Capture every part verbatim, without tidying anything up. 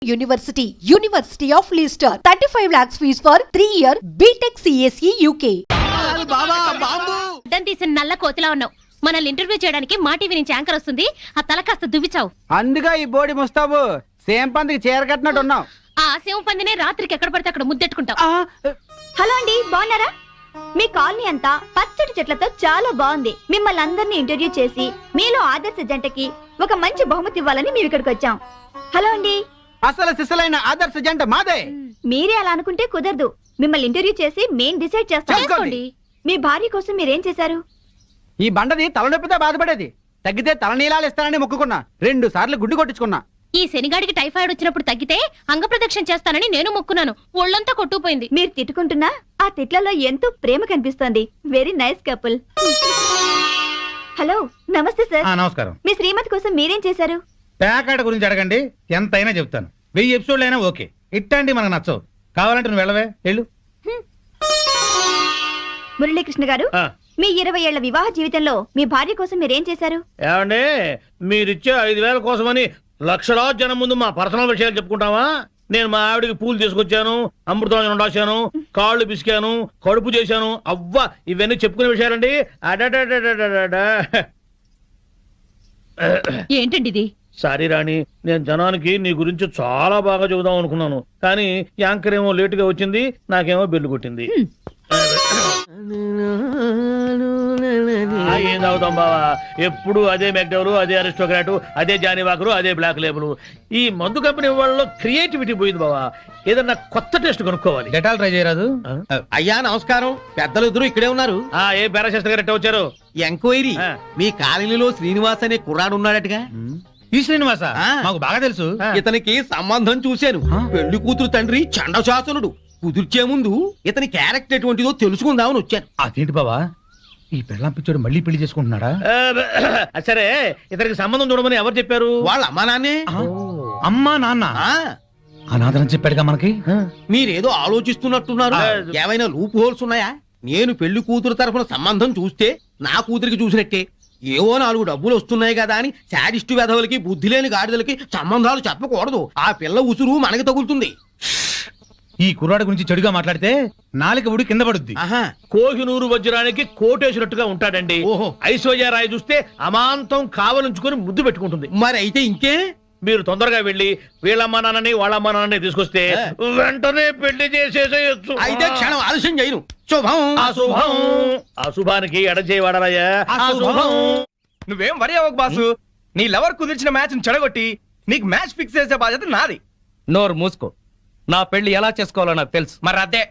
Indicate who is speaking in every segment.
Speaker 1: University, University of Leicester, thirty-five lakhs fees for three year B Tech C S E U K.
Speaker 2: అడ్డం తీసిన నల్ల కోతిలా ఉన్నావు. మనల్ని interview చేయడానికి మా టీవీ నుంచి యాంకర్ వస్తుంది. ఆ తల కాస్త దువ్విచావు.
Speaker 3: అందుగా ఈ బోడి ముస్తాబు సేమ్ పందికి చీర కట్టినట్టు ఉన్నావు.
Speaker 2: ఆ సేమ్ పందినే రాత్రికి ఎక్కడ పడితే అక్కడ ముద్దెట్టుకుంటావు.
Speaker 4: హలో అండి, బాగున్నారా? మీ కాలనీ అంతా పచ్చటి చెట్లతో చాలా బాగుంది. మిమ్మల్ని అందరినీ ఇంటర్వ్యూ చేసి మీలో ఆదర్శ జంటకి ఒక మంచి బహుమతి ఇవ్వాలని మేము ఇక్కడికి వచ్చాం. హలో అండి,
Speaker 3: అసలు సిసలైన ఆదర్శ జంట మాదే.
Speaker 4: మీరే అలా అనుకుంటే కుదరదు. మిమ్మల్ని ఇంటర్వ్యూ చేసి మేం డిసైడ్ చేస్తాం.
Speaker 2: చేసుకోండి.
Speaker 4: మీ భార్య కోసం మీరేం చేశారు?
Speaker 3: ఈ బండది తలనొప్పితో బాధపడేది. తగ్గితే తలనీలాలు ఇస్తానని మొక్కుకున్నా. రెండు సార్లు గుడ్డు కొట్టించుకున్నా.
Speaker 2: ఈ శనిగాడికి టైఫాయిడ్ వచ్చినప్పుడు తగ్గితే అంగ ప్రదక్షిణ చేస్తానని నేను మొక్కున్నాను. ఒళ్ళంతా కొట్టుకుపోయింది.
Speaker 4: మీరు తిట్టుకుంటున్నా ఆ తిట్లలో ఎంతో ప్రేమ కనిపిస్తోంది. Very nice couple. హలో, నమస్తే సార్.
Speaker 5: నమస్కారం.
Speaker 4: మీ శ్రీమతి కోసం మీరేం చేశారు?
Speaker 5: ప్యాకాట గురించి అడగండి, ఎంతైనా చెప్తాను. వెయ్యి ఎపిసోడ్లు అయినా ఓకే. ఇట్టండి మనకు నచ్చవు. కావాలంటే నువ్వు వెళ్ళవే, వెళ్ళు.
Speaker 4: మురళీకృష్ణ గారు, మీ ఇరవై ఏళ్ల వివాహ జీవితంలో మీ భార్య కోసం మీరేం చేశారు?
Speaker 6: ఏమండి, మీరిచ్చే ఐదు వేల కోసమని లక్షలాది జనం ముందు మా పర్సనల్ విషయాలు చెప్పుకుంటావా? నేను మా ఆవిడికి పూలు తీసుకొచ్చాను, అమృతం రాశాను, కాళ్ళు పిసికాను, కడుపు చేశాను. అవ్వ, ఇవన్నీ చెప్పుకునే విషయాలండి. అడడడడడడా.
Speaker 2: ఏంటండి ఇది?
Speaker 6: సారీ రాణి, నేను జనానికి నీ గురించి చాలా బాగా చెబుదాం అనుకున్నాను, కానీ యాంకర్ ఏమో లేటుగా వచ్చింది, నాకేమో బెల్లు కొట్టింది. ఏం తాగుతాం బావా? ఎప్పుడు అదే మెక్డవరు, అదే అరిస్టోక్రాటు, అదే జానీవాకరు, అదే బ్లాక్ లేబుల్. ఈ మందు కంపెనీ వాళ్ళలో క్రియేటివిటీ పోయింది బావా. ఏదన్నా కొత్త టేస్ట్ కనుక్కోవాలి.
Speaker 5: డెటాల్ ట్రై చేయరాదు?
Speaker 7: అయ్యా నమస్కారం. పెద్దలు ఇద్దరు ఇక్కడే ఉన్నారు.
Speaker 6: ఆ ఏ పారాశాస్త్రి గారు వచ్చారు?
Speaker 7: ఎంక్వైరీ. మీ కాలనీలో శ్రీనివాస్ అనే కుర్రాడు ఉన్నాడటగా?
Speaker 5: ఈ శ్రీనివాస మాకు బాగా తెలుసు.
Speaker 7: ఇతనికి సంబంధం చూశాను. పెళ్లి కూతురు తండ్రి చండశాసనుడు. కుదిర్చే ముందు ఇతని క్యారెక్టర్ ఎటువంటిదో తెలుసుకుందామని వచ్చాను.
Speaker 5: అదేంటి బావా, ఈ పెళ్ళాం పిచ్చోడు మళ్ళీ పెళ్లి చేసుకుంటున్నాడా?
Speaker 6: సరే, ఇతనికి సంబంధం చూడమని ఎవరు చెప్పారు?
Speaker 7: వాళ్ళ అమ్మా నాన్నే.
Speaker 5: అమ్మా నాన్న అనాథరం చెప్పాడుగా మనకి.
Speaker 7: మీరేదో ఆలోచిస్తున్నట్టున్నారు. ఏమైనా లూప్ హోల్స్ ఉన్నాయా? నేను పెళ్లి కూతురు తరఫున సంబంధం చూస్తే నా కూతురికి చూసినట్టే. ఏవో నాలుగు డబ్బులు వస్తున్నాయి కదా అని శాడిస్టు వెధవులకి, బుద్ధి లేని గాడిదలకి సంబంధాలు చెప్పకూడదు. ఆ పిల్ల ఉసురు మనకి తగులుతుంది.
Speaker 5: ఈ కుర్రాడు గురించి చెడుగా మాట్లాడితే నాలుక ఉడి కింద పడుద్ది.
Speaker 6: కోహినూరు వజ్రానికి కోటేసినట్టుగా ఉంటాడండి.
Speaker 7: ఓహో.
Speaker 6: ఐశ్వర్యరాయ్ చూస్తే అమాంతం కావలించుకొని ముద్దు పెట్టుకుంటుంది.
Speaker 7: మరి అయితే ఇంకే,
Speaker 6: మీరు తొందరగా వెళ్ళి వీళ్ళమ్మ నాన్నని వాళ్ళమ్మ నాన్నని తీసుకొస్తే వెంటనే పెళ్లి చేసేసేయచ్చు.
Speaker 7: అయితే క్షణం ఆలస్యం చేయను. శుభం.
Speaker 6: అశుభం. అశుభానికి ఎడచేయవాడరాయా. అశుభం.
Speaker 8: నువ్వేం వరి అవ్వకు బాసు. నీ లవర్ కుదిర్చిన మ్యాచ్ చెడగొట్టి నీకు మ్యాచ్ ఫిక్స్ చేసే బాధ్యత నాది.
Speaker 9: నోరు మూసుకో. నా పెళ్లి ఎలా చేసుకోవాలో నాకు తెలుసు.
Speaker 8: మరి అదే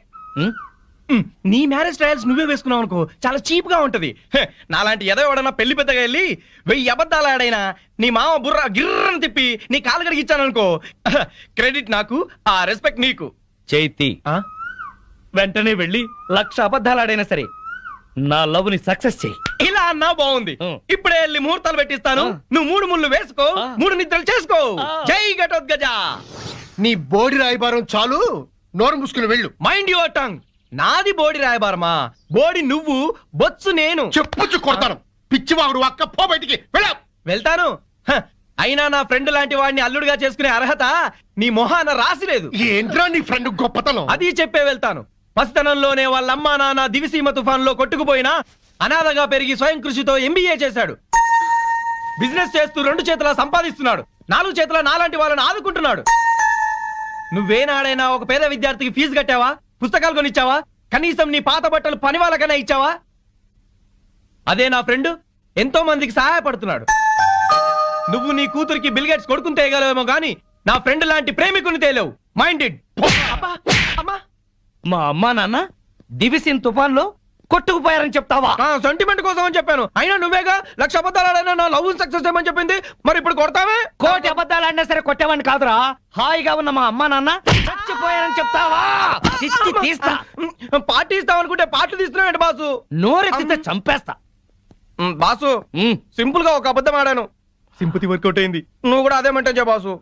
Speaker 8: నీ మ్యారేజ్ ట్రయల్స్ నువ్వే వేసుకున్నావు అనుకో, చాలా చీప్ గా ఉంటది. నాలాంటి ఎదో ఎవడన్నా పెళ్లి పెద్దగా వెళ్ళి వెయ్యి అబద్ధాలు ఆడైనా నీ మామ బుర్ర గిర్రని తిప్పి నీ కాలు కడిగి ఇచ్చాననుకో, క్రెడిట్ నాకు, ఆ రెస్పెక్ట్ నీకు.
Speaker 9: చైతి, వెంటనే వెళ్ళి లక్ష అబద్ధాలు ఆడైనా సరే నా లవ్ ని సక్సెస్ చెయ్యి.
Speaker 8: ఇలా అన్నా బాగుంది. ఇప్పుడే వెళ్ళి ముహూర్తాలు పెట్టిస్తాను. నువ్వు మూడు ముళ్ళు వేసుకో, మూడు నిద్రలు చేసుకో. జై ఘటోత్కజ.
Speaker 7: నీ బోడి రాయబారం చాలు, నోరు మూసుకుని వెళ్ళు.
Speaker 8: Mind your tongue. నాది బోడి రాయబారమా? బోడి నువ్వు, బొత్సు నేను.
Speaker 7: చెప్పుచ్చు కొడతాను. పిచ్చివాడు అక్క, పో బయటికి. వెళ్ళా.
Speaker 8: వెళ్తాను. హ, అయినా నా ఫ్రెండ్ లాంటి వాడిని అల్లుడుగా చేసుకునే అర్హత నీ మొహాన రాసిలేదు.
Speaker 7: ఏంట్రా నీ ఫ్రెండ్ గొప్పతనం?
Speaker 8: అది చెప్పే వెళ్తాను. పసితనంలోనే వాళ్ళమ్మా నాన్న దివిసీమ తుఫాన్ లో కొట్టుకుపోయినా అనాథగా పెరిగి స్వయం కృషితో ఎంబీఏ చేశాడు. బిజినెస్ చేస్తూ రెండు చేతులా సంపాదిస్తున్నాడు. నాలుగు చేతుల నాలాంటి వాళ్ళని ఆదుకుంటున్నాడు. నువ్వేనాడైనా ఒక పేద విద్యార్థికి ఫీజు కట్టావా? పుస్తకాలు కొనిచ్చావా? కనీసం నీ పాత బట్టలు పని వాళ్ళకైనా ఇచ్చావా? అదే నా ఫ్రెండ్ ఎంతో మందికి సహాయపడుతున్నాడు. నువ్వు నీ కూతురికి బిల్ గేట్స్ కొడుకుని తేయగలవేమో గానీ నా ఫ్రెండ్ లాంటి ప్రేమికుని తేలేవు. మైండెడ్.
Speaker 9: మా అమ్మా నాన్న దివిసిన్ తుఫాన్ లో కొట్టుకుపోయారని చెప్తావా?
Speaker 8: సెంటిమెంట్ కోసం అని చెప్పాను. అయినా నువ్వేగా లక్ష అబద్ధాలు నా లవ్ సక్సెస్ చేయమని చెప్పింది. మరి ఇప్పుడు కొడతావే?
Speaker 9: కోటి అబద్ధాలు ఆడినా సరే కొట్టేవాడిని కాదురా. హాయిగా ఉన్న మా అమ్మా నాన్న చచ్చిపోయారని చెప్తావా? దిష్టి తీస్తా.
Speaker 8: పార్టీ ఇస్తావు అనుకుంటే పార్టీ తీస్తున్నావు బాసు.
Speaker 9: నోరెత్తితే చంపేస్తా.
Speaker 8: బాసు, సింపుల్ గా ఒక అబద్ధం ఆడాను, సింపతి వర్కౌట్ అయింది. నువ్వు కూడా అదే మంటే బాసు.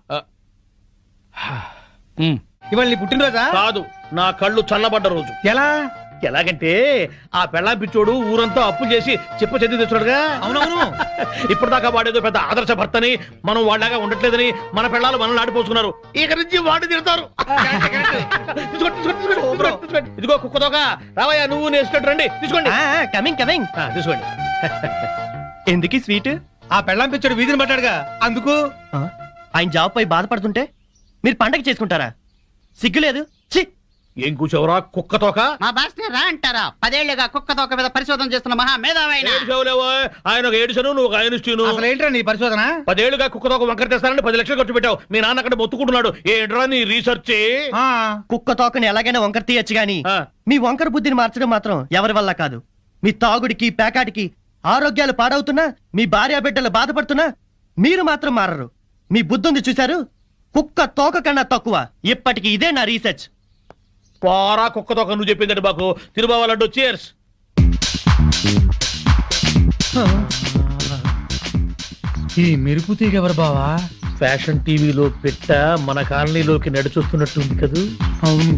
Speaker 5: ఇవాళ నీ పుట్టినరోజా?
Speaker 6: కాదు, నా కళ్ళు చల్లబడ్డ రోజు.
Speaker 5: ఎలా?
Speaker 6: ఎలాగంటే ఆ పెళ్ళాం పిచ్చోడు ఊరంతా అప్పులు చేసి చెప్ప చెంది తెచ్చాడుగా.
Speaker 5: అవునవును.
Speaker 6: ఇప్పటిదాకా వాడేదో పెద్ద ఆదర్శ భర్తని, మనం వాళ్ళగా ఉండట్లేదని మన పెళ్ళాలు మనల్ని ఆడిపోసుకున్నారు. ఇక నుంచి వాడు తిడతారు. తీసుకోండి, తీసుకోండి, తీసుకోండి, తీసుకోండి. ఇదిగో కుక్కతోక రావయ్యా, నువ్వు నేర్చుకుంటూ రండి. తీసుకోండి,
Speaker 8: కమింగ్ కమింగ్.
Speaker 6: ఆ, తీసుకోండి.
Speaker 8: ఎందుకు స్వీట్?
Speaker 5: ఆ పెళ్ళాం పిచ్చాడు వీధిని పట్టాడుగా అందుకు.
Speaker 8: ఆయన జాబ్ పై బాధపడుతుంటే మీరు పండగ చేసుకుంటారా? సిగ్గులేదు. ఛీ!
Speaker 6: ఏం కూర్చోవరా కుక్కతోక?
Speaker 3: మా బాస్ రా అంటారా? పదేళ్లుగా కుక్క తోక మీద పరిశోధన చేస్తున్న మహా మేధావైన
Speaker 6: ఏడుచావులేవో, ఆయన ఒక ఏడుచను, నువ్వు ఒక ఆయనిస్తూను.
Speaker 5: అసలు ఏంట్రా నీ పరిశోధన?
Speaker 6: పదేళ్లుగా కుక్కతోక వంకర తెస్తానని పది లక్షలు ఖర్చు పెట్టావు. మీ నాన్న అక్కడ మొత్తుకుంటున్నాడు. ఏంట్రా నీ రీసెర్చ్?
Speaker 5: ఆ,
Speaker 8: కుక్క తోకని ఎలాగైనా వంకర తీయచ్చు గాని
Speaker 6: ఆ.
Speaker 8: మీ వంకర బుద్ధిని మార్చడం మాత్రం ఎవరి వల్ల కాదు. మీ తాగుడికి పేకాటికి ఆరోగ్యాలు పాడవుతున్నా, మీ భార్య బిడ్డలు బాధపడుతున్నా మీరు మాత్రం మారరు. మీ బుద్ధుంది చూశారు? కుక్క తోక కన్నా తక్కువ. ఇప్పటికి ఇదే నా రీసెర్చ్.
Speaker 6: పారా కుక్కతోక నువ్వు చెప్పిందండి మాకు. తిరుబావాలంటూ చీర్స్.
Speaker 5: ఈ మెరుపు తీగ ఎవరు బావా?
Speaker 6: ఫ్యాషన్ టీవీలో పెట్ట మన కాలనీలోకి నడిచొస్తున్నట్టుంది కదూ.
Speaker 5: అవును.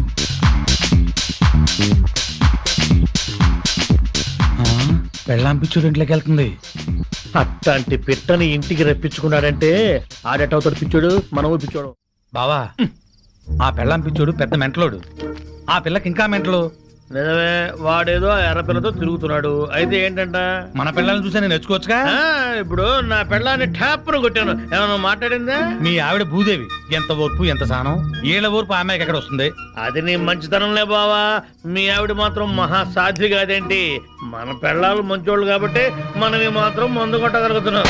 Speaker 5: పెళ్ళాం పిచ్చుడు ఇంట్లోకి వెళ్తుంది.
Speaker 6: అట్లాంటి పిట్టని ఇంటికి రప్పించుకున్నాడంటే ఆడేటవుతాడు పిచ్చోడు, మనము పిచ్చోడు.
Speaker 5: బావా, ఆ పెళ్ళాం పిచ్చోడు పెద్ద మెంటలోడు. ఆ పిల్లకి ఇంకా మెంటలు.
Speaker 6: నిజమే, వాడేదో ఎర్రపిల్లతో తిరుగుతున్నాడు. అయితే ఏంటంట?
Speaker 5: మన పిల్లల్ని చూసి నేను నేర్చుకోవచ్చుగా.
Speaker 6: ఆ, ఇప్పుడు నా పెళ్ళాన్ని ట్యాప్ను కొట్టాను. ఏమన్నా మాట్లాడిందా?
Speaker 5: మీ ఆవిడ భూదేవి. ఎంత ఓర్పు, ఎంత సానం. ఏళ్ళ ఓర్పు ఆ అమ్మాయికి ఎక్కడ వస్తుంది?
Speaker 6: అది నీ మంచితనంలే బావా. మీ ఆవిడ మాత్రం మహా సాధ్వి కాదేంటి? మన పెళ్ళాలు మంచోళ్ళు కాబట్టి మనవి మాత్రం మందు కొట్టగలుగుతున్నాం.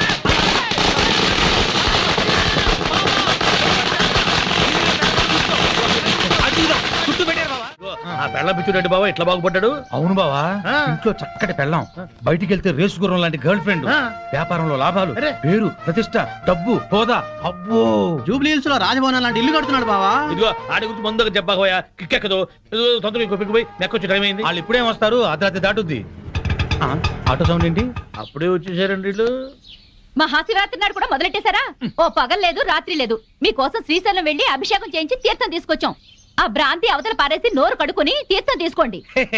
Speaker 6: ఆ పెళ్ళ పిచ్చుడండి బావా ఇట్లా బాగుపడ్డాడు.
Speaker 5: అవును బావా,
Speaker 6: ఆ.
Speaker 5: ఇంట్లో చక్కటి పెళ్ళాం, బయటికి వెళ్తే రేసు గుర్రం లాంటి గర్ల్ ఫ్రెండ్,
Speaker 6: ఆ.
Speaker 5: వ్యాపారంలో లాభాలు,
Speaker 6: అరే.
Speaker 5: పేరు, ప్రతిష్ట, డబ్బు, హోదా. అబ్బో,
Speaker 3: జూబ్లీ హిల్స్ లో రాజభవనం లాంటి ఇల్లు కడుతున్నాడు బావా.
Speaker 6: ఇదిగో ఆడి గురించి ముందుగా చెప్పకపోయా కిక్కెక్కదు. ఇదిగో తొందరగా ఇంకో పిక్కు పోయి నెక్కొచ్చి టైం అయింది.
Speaker 5: వాళ్ళు ఇప్పుడేం వస్తారు? అర్ధరాత్రి దాటుద్ది. ఆ, ఆటో సౌండ్ ఏంటి?
Speaker 6: అప్పుడే వచ్చేసారండి వీళ్ళు.
Speaker 4: మహాశివరాత్రి నాడు కూడా మొదలెట్టేశారా? ఓ పగలు లేదు రాత్రి లేదు. మీకోసం శ్రీశైలం వెళ్లి అభిషేకం చేయించి తీర్థం తీసుకొచ్చాం. ఆ భ్రాంతి అవతల పారేసి నోరు కడుకొని తీర్థం తీసుకోండి.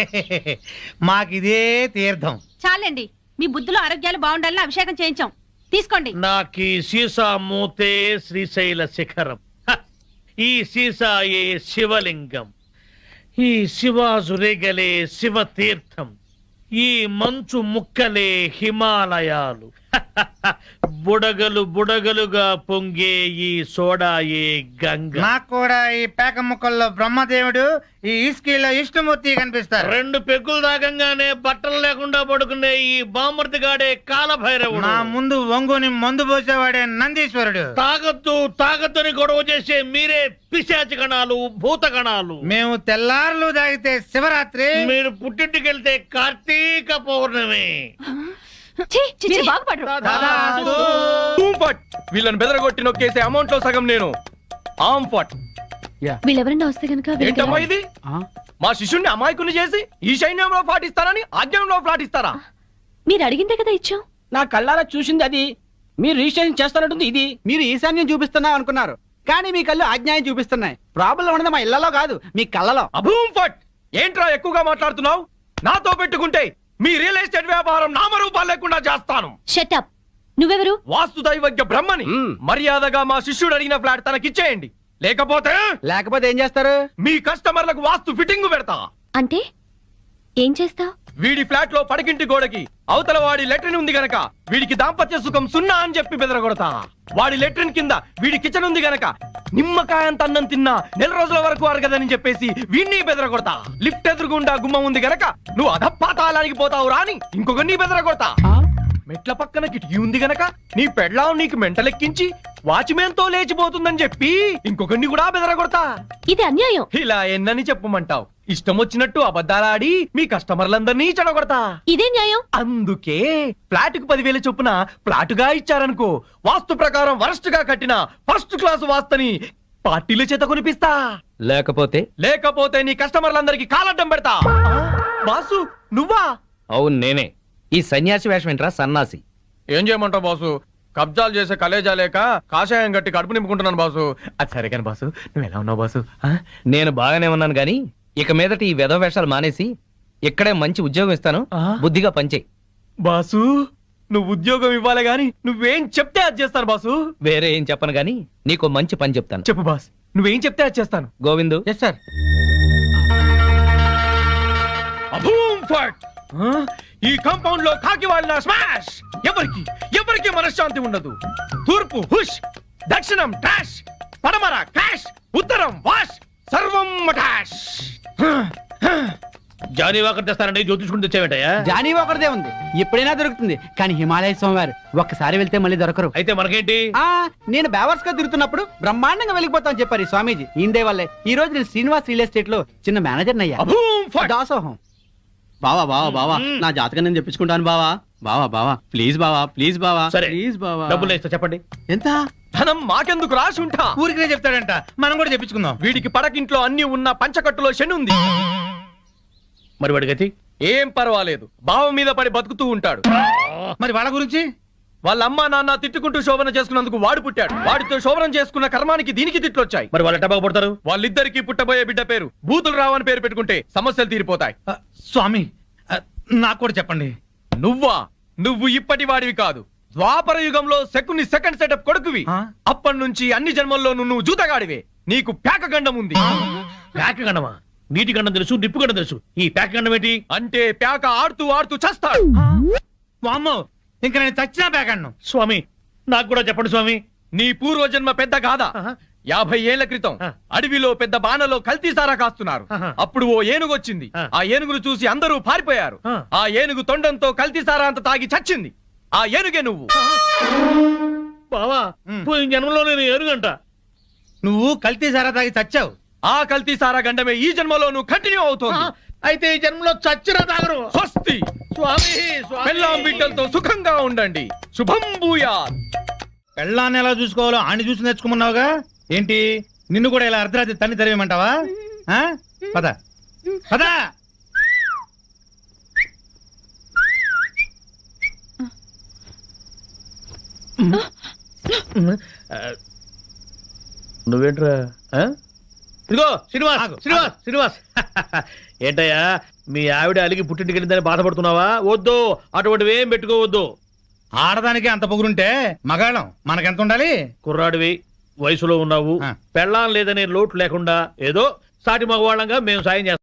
Speaker 5: మాకిదే తీర్థం.
Speaker 2: చాలండి, మీ బుద్ధులు ఆరోగ్యాలు బాగుండాలని అభిషేకం చేయించాం. తీసుకోండి.
Speaker 6: నాకీ సీసా మూతే శ్రీశైల శిఖరం, హ! ఈ సీసాయే శివలింగం, ఈ శివాజురేగలే శివ తీర్థం, ఈ మంచు ముక్కలే హిమాలయాలు, బుడగలు బుడగలుగా పొంగే ఈ సోడాయే గంగ.
Speaker 5: నాకు కూడా ఈ పేక ముక్కల్లో బ్రహ్మదేవుడు, ఈ ఇస్కీలో విష్ణుమూర్తి కనిపిస్తారు.
Speaker 6: రెండు పెగ్గులు దాగంగానే బట్టలు లేకుండా పడుకునే ఈ బామర్తిగాడే కాలభైరవుడు.
Speaker 5: నా ముందు వంగుని మందు పోసేవాడే నందీశ్వరుడు.
Speaker 6: తాగొద్దు తాగొద్దని గొడవ చేసే మీరే పిశాచి గణాలు, భూత గణాలు.
Speaker 5: మేము తెల్లార్లు తాగితే శివరాత్రి,
Speaker 6: మీరు పుట్టింటికి వెళ్తే కార్తీక పౌర్ణమి.
Speaker 4: ఛీ, మీరు బాగుపడరు.
Speaker 8: టూంఫట్! వీళ్ళని బెదరగొట్టి నొక్కేసే అమౌంట్ లో సగం నేను. ఆమ్ ఫట్!
Speaker 4: వీళ్ళెవరన్నా వస్తే కనుక
Speaker 8: ఏంటమ్మా ఇది? మా శిష్యుణ్ణి అమాయకుని చేసి ఈ సైన్యంలో పాటిస్తారని ఆజ్ఞంలో పాటిస్తారా?
Speaker 4: మీరు అడిగిందే కదా ఇచ్చాం.
Speaker 3: నా కళ్ళారా చూసింది అది. మీరు రిజిస్ట్రేషన్ చేస్తానంటుంది ఇది. మీరు ఈశాన్యం చూపిస్తున్నా అనుకున్నారు, కానీ మీ కళ్ళు అజ్ఞాయం చూపిస్తున్నాయి. ప్రాబ్లం ఉన్నది మా ఇళ్లలో కాదు, మీ కళ్ళలో.
Speaker 8: అభూమ్ ఫట్! ఏంట్రా ఎక్కువగా మాట్లాడుతున్నావు? నాతో పెట్టుకుంటే మీ రియల్ ఎస్టేట్ వ్యాపారం నామరూపాలు లేకుండా చేస్తాను.
Speaker 4: షటప్. నువ్వెవరు?
Speaker 8: వాస్తు దైవజ్ఞ బ్రహ్మని. మర్యాదగా మా శిష్యుడు అడిగిన ఫ్లాట్ తనకిచ్చేయండి, లేకపోతే
Speaker 3: లేకపోతే ఏం చేస్తారు?
Speaker 8: మీ కస్టమర్లకు వాస్తు ఫిట్టింగ్ పెడతా.
Speaker 4: అంటే ఏం చేస్తావ్?
Speaker 8: వీడి ఫ్లాట్ లో పడకింటి గోడకి అవతల వాడి లెట్రిన్ ఉంది గనక వీడికి దాంపత్య సుఖం సున్నా అని చెప్పి బెదరగొడతా. వాడి లెట్రిన్ కింద వీడి కిచెన్ ఉంది గనక నిమ్మకాయంత అన్నం తిన్నా నెల రోజుల వరకు అరగదని చెప్పేసి వీడిని బెదరగొడతా. లిఫ్ట్ ఎదురుగుండా గుమ్మం ఉంది గనక నువ్వు అధపాతాళానికి పోతావు రాని ఇంకొకరిని బెదరగొడతా. మెట్ల పక్కన కిటికీ ఉంది గనక నీ పెళ్ళాం నీకు మెంటలెక్కించి వాచ్మెన్ తో లేచిపోతుందని చెప్పి ఇంకొకరిని కూడా బెదరగొడతా.
Speaker 4: ఇది అన్యాయం.
Speaker 8: ఇలా ఎన్నని చెప్పమంటావు? ఇష్టం వచ్చినట్టు అబద్ధాలాడి మీ కస్టమర్లందరినీ చెడగొడతా.
Speaker 4: ఇదే న్యాయం.
Speaker 8: అందుకే ఫ్లాట్ కు పదివేల చొప్పున ఫ్లాటుగా ఇచ్చారనుకో, వాస్తు ప్రకారం వరస్ట్ గా కట్టిన ఫస్ట్ క్లాస్ వాస్తుని పార్టీల చేత కొనిపిస్తా.
Speaker 9: లేకపోతే
Speaker 8: లేకపోతే నీ కస్టమర్లందరికి కాలడ్డం పెడతా. బాసు నువ్వా?
Speaker 9: అవును నేనే. ఈ సన్యాసి వేషం ఏంట్రా సన్నాసి?
Speaker 8: ఏం చేయమంటావు బాసు? కబ్జాలు చేసే కలేజా లేక కాషాయం గట్టి కడుపు నింపుకుంటున్నాను బాసు. అది సరే కానీ బాసు నువ్వు ఎలా ఉన్నావు బాసు?
Speaker 9: నేను బాగానే ఉన్నాను గాని ఇక మీదట ఈ వెధవ వేషాలు మానేసి
Speaker 8: ఇక్కడే మంచి ఉద్యోగం ఇస్తాను బుద్ధిగా పనిచేయి.
Speaker 9: బాసు నువ్వు ఉద్యోగం ఇవ్వాలి గాని నువ్వేం చెప్తే అది చేస్తాను బాసు.
Speaker 8: వేరే ఏం చెప్పను గానీ నీకు మంచి పని చెప్తాను.
Speaker 9: చెప్పు బాస్, నువ్వేం చెప్తే అది చేస్తాను.
Speaker 8: Govindu,
Speaker 3: yes sir.
Speaker 9: అభూమ్ ఫట్! ఆ? ఈ కాంపౌండ్ లో కాకి వాళ్ళ స్మాష్. ఎవరికి ఎవరికి మనశ్శాంతి ఉండదు. తూర్పు హుష్, దక్షిణం డాష్, పడమర క్రాష్, ఉత్తరం వాష్, సర్వం మటాష్.
Speaker 6: జానీ వాకర్ తెస్తానండి జ్యోతిష్కుని తెచ్చావేంటయ్యా?
Speaker 3: జానీ ఒకరిదే ఉంది, ఎప్పుడైనా దొరుకుతుంది. కానీ హిమాలయ స్వామివారు ఒక్కసారి వెళ్తే మళ్ళీ దొరకరు.
Speaker 6: అయితే మనకేంటి?
Speaker 3: ఆ నేను బేవర్స్ గా తిరుగుతున్నప్పుడు బ్రహ్మాండంగా వెళ్ళిపోతామని చెప్పారు ఈ స్వామీజీ. ఈందే వల్లే ఈ రోజు నేను శ్రీనివాస్ రియల్ ఎస్టేట్ లో చిన్న మేనేజర్ అయ్యా.
Speaker 9: అభూమ్ ఫట్!
Speaker 3: దాసోహం.
Speaker 7: బావా బావా బావా నా జాతకం నేను చెప్పించుకుంటాను బావా. బావా బావా ప్లీజ్ బావా, ప్లీజ్ బావా,
Speaker 6: సరే.
Speaker 7: ప్లీజ్ బావా.
Speaker 6: డబ్బులు ఇస్తా, చెప్పండి.
Speaker 7: ఎంత?
Speaker 9: ధనం మాకెందుకు రాసి ఉంటా.
Speaker 5: ఊరికినే చెప్తాడంట, మనం కూడా చెప్పించుకుందాం.
Speaker 9: వీడికి పడకింట్లో అన్ని ఉన్న పంచకట్టులో శని ఉంది.
Speaker 6: మరి వాడి గతి?
Speaker 9: ఏం పర్వాలేదు, బావ మీద పడి బతుకుతూ ఉంటాడు.
Speaker 5: మరి వాళ్ళ గురించి?
Speaker 9: వాళ్ళ అమ్మా నాన్న తిట్టుకుంటూ శోభన చేసుకున్నందుకు వాడు పుట్టాడు. వాడితో శోభనం చేసుకున్న కర్మానికి దీనికి తిట్లొచ్చాయి.
Speaker 6: మరి వాళ్ళు ఎట్ట బాగుపడతారు?
Speaker 9: వాళ్ళిద్దరికి పుట్టబోయే బిడ్డ పేరు బూతులు రావని పేరు పెట్టుకుంటే సమస్యలు తీరిపోతాయి.
Speaker 5: ఆ, స్వామి ఆ, నాకు కూడా చెప్పండి.
Speaker 9: నువ్వా? నువ్వు ఇప్పటి వాడివి కాదు. ద్వాపర యుగంలో శకుని సెకండ్ సెటప్ కొడుకువి.
Speaker 5: ఆ?
Speaker 9: అప్పటి నుంచి అన్ని జన్మల్లోనూ నువ్వు జూతగాడివే. నీకు ప్యాక గండం ఉంది.
Speaker 6: ప్యాక గండమా? నీటి గండం తెలుసు, నిప్పు గండం తెలుసు, ఈ ప్యాక గండం ఏంటి?
Speaker 9: అంటే ప్యాక ఆడుతూ ఆడుతూ చస్తాడు.
Speaker 5: వామ్మో, ఇంకా నేను చచ్చినా పేకాడను.
Speaker 6: స్వామి నాకు కూడా చెప్పండి స్వామి.
Speaker 9: నీ పూర్వజన్మ పెద్ద గాథ. యాభై ఏళ్ల క్రితం
Speaker 6: ఆ.
Speaker 9: అడవిలో పెద్ద బాణలో కల్తీ సారా కాస్తున్నారు.
Speaker 6: ఆహా.
Speaker 9: అప్పుడు ఓ ఏనుగు వచ్చింది.
Speaker 6: ఆ.
Speaker 9: ఆ ఏనుగును చూసి అందరూ పారిపోయారు.
Speaker 6: ఆ.
Speaker 9: ఆ ఏనుగు తొండంతో కల్తీ సారా అంత తాగి చచ్చింది. ఆ ఏనుగే నువ్వు.
Speaker 6: బావా పోయిన జన్మలో నేను ఏనుగంట.
Speaker 5: నువ్వు కల్తీ సారా తాగి చచ్చావు.
Speaker 9: ఆ కల్తీ సారా గండమే ఈ జన్మలో నువ్వు కంటిన్యూ అవుతోంది.
Speaker 6: అయితే ఈ జన్మలో చచ్చినా తాగరు.
Speaker 9: స్వస్తి.
Speaker 6: స్వామి స్వామి.
Speaker 9: పెళ్ళాం బిడ్డలతో సుఖంగా ఉండండి. శుభం భూయాత్.
Speaker 5: పెళ్ళాన్ని ఎలా చూసుకోవాలో ఆని చూసి నేర్చుకోమన్నావుగా. ఏంటి నిన్ను కూడా ఇలా అర్ధరాత్రి తన్ని తరివేమంటావా? ఆ? పద పద.
Speaker 6: నువ్వేంట్రా? ఆ? ఇదిగో శ్రీనివాస్,
Speaker 5: ఆగు,
Speaker 6: శ్రీనివాస్,
Speaker 5: ఆగు.
Speaker 6: శ్రీనివాస్. ఏంటయ్యా మీ ఆవిడ అలిగి పుట్టింటికి వెళ్ళిందని బాధపడుతున్నావా? వద్దు, అటువంటివి ఏం పెట్టుకోవద్దు.
Speaker 5: ఆడదానికి అంత పొగురుంటే మగాళ్ళం మనకెంత ఉండాలి?
Speaker 6: కుర్రాడివి, వయసులో ఉన్నావు,
Speaker 5: ఆ.
Speaker 6: పెళ్ళాం లేదనే లోటు లేకుండా ఏదో సాటి మగవాళ్ళంగా మేము సాయం చేస్తాం.